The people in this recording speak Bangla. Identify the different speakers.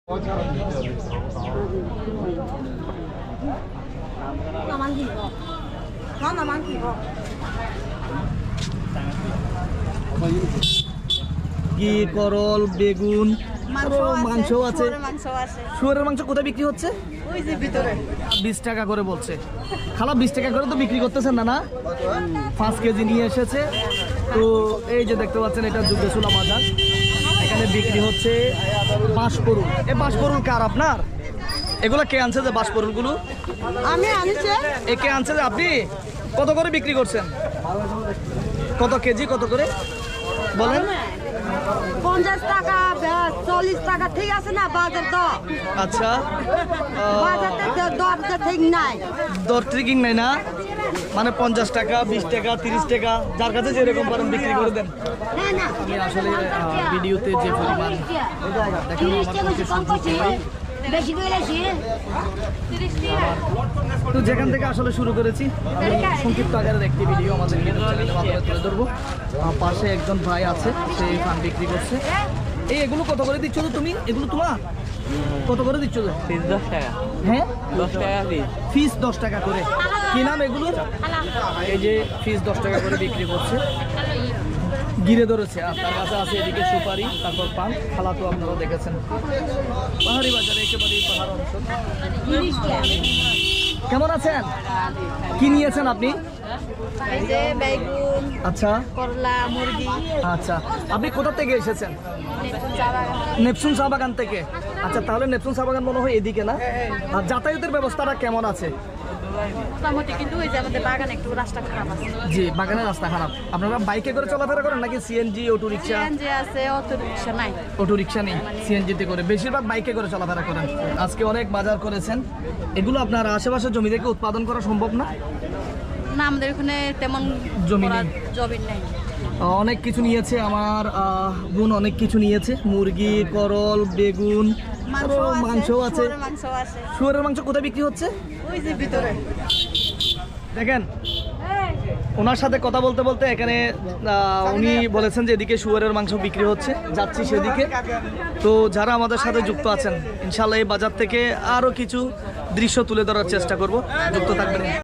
Speaker 1: করল, বেগুন, মাংস আছে। শুয়োরের মাংস কোথায় বিক্রি হচ্ছে? 20 টাকা করে বলছে খালা। 20 টাকা করে তো বিক্রি করতেছেন না? 5 কেজি নিয়ে এসেছে। তো এই যে দেখতে পাচ্ছেন, এটা যুগেশুলা বাজার। এখানে বিক্রি হচ্ছে বাঁশপরুল। এই বাঁশপরুল কার আপনার? এগুলো কে আনছে যে বাঁশপরুলগুলো?
Speaker 2: আমি আনছি।
Speaker 1: কে আনছে যে আপনি? কত করে বিক্রি করছেন? কত কেজি, কত করে বলেন?
Speaker 2: 50 টাকা, 40 টাকা, ঠিক আছে না বাজার তো?
Speaker 1: আচ্ছা,
Speaker 2: বাজারে দর ঠিক নাই।
Speaker 1: দর ট্রিকিং নাই না, মানে 50 টাকা, 20 টাকা, 30 টাকা, যার কাছে যেরকম পারেন বিক্রি করে দেন। আমি আসলে ভিডিওতে যে পরিমাণ তো যেখান থেকে আসলে শুরু করেছি, আমি সংক্ষিপ্ত আকারের একটি ভিডিও আমাদের চ্যানেলের মাধ্যমে তুলে ধরবো। পাশে একজন ভাই আছে, সে ফান বিক্রি করছে। এগুলো কত করে দিচ্ছ তো তুমি? এগুলো তোমার কত করে দিচ্ছ?
Speaker 3: 10 টাকা।
Speaker 1: হ্যাঁ,
Speaker 3: 10 টাকা
Speaker 1: ফিস 10 টাকা করে। কি নাম এগুলো? এই যে ফিস 10 টাকা করে বিক্রি করছে। গিরে ধরেছে, আর তার কাছে আছে এদিকে সুপারি, তারপর পান। খালা তো আপনারা দেখেছেন, পাহাড়ি বাজারে একেবারেই পাহাড় অঞ্চল। কেমন আছেন? কি নিয়েছেন আপনি?
Speaker 2: বেগুন,
Speaker 1: আচ্ছা,
Speaker 2: করলা, মুরগি।
Speaker 1: আচ্ছা, আপনি কোথা থেকে এসেছেন? নেপসুন চা বাগান থেকে। আচ্ছা, তাহলে নেপসুন চা বাগান মনে হয় এদিকে না? আর যাতায়াতের ব্যবস্থাটা কেমন আছে?
Speaker 2: মোটামুটি, কিন্তু ওই যে আমাদের বাগানে একটু রাস্তা খারাপ আছে।
Speaker 1: জি, বাগানের রাস্তা খারাপ। আপনারা বাইকে করে চলাফেরা করেন নাকি সিএনজি, অটো রিক্সা?
Speaker 2: সিএনজি আছে, অটো রিক্সা নাই।
Speaker 1: অটো রিক্সা নেই, সিএনজিতে করে বেশিরভাগ বাইকে করে চলাফেরা করেন। আজকে অনেক বাজার করেছেন। এগুলো আপনার আশেপাশে জমি থেকে উৎপাদন করা সম্ভব না?
Speaker 2: না, আমাদের ওখানে তেমন
Speaker 1: জমি নেই।
Speaker 2: জমি নেই।
Speaker 1: অনেক কিছু নিয়েছে আমার বোন, অনেক কিছু নিয়েছে। মুরগি, করল, বেগুন, মাংসও আছে। শুয়োরের মাংস কোথায় বিক্রি হচ্ছে?
Speaker 2: ওই যে ভিতরে
Speaker 1: দেখেন, ওনার সাথে কথা বলতে বলতে এখানে উনি বলেছেন যে এদিকে শুয়োরের মাংস বিক্রি হচ্ছে, যাচ্ছি সেদিকে। তো যারা আমাদের সাথে যুক্ত আছেন, ইনশাল্লাহ এই বাজার থেকে আরও কিছু দৃশ্য তুলে ধরার চেষ্টা করব। যুক্ত থাকবেন।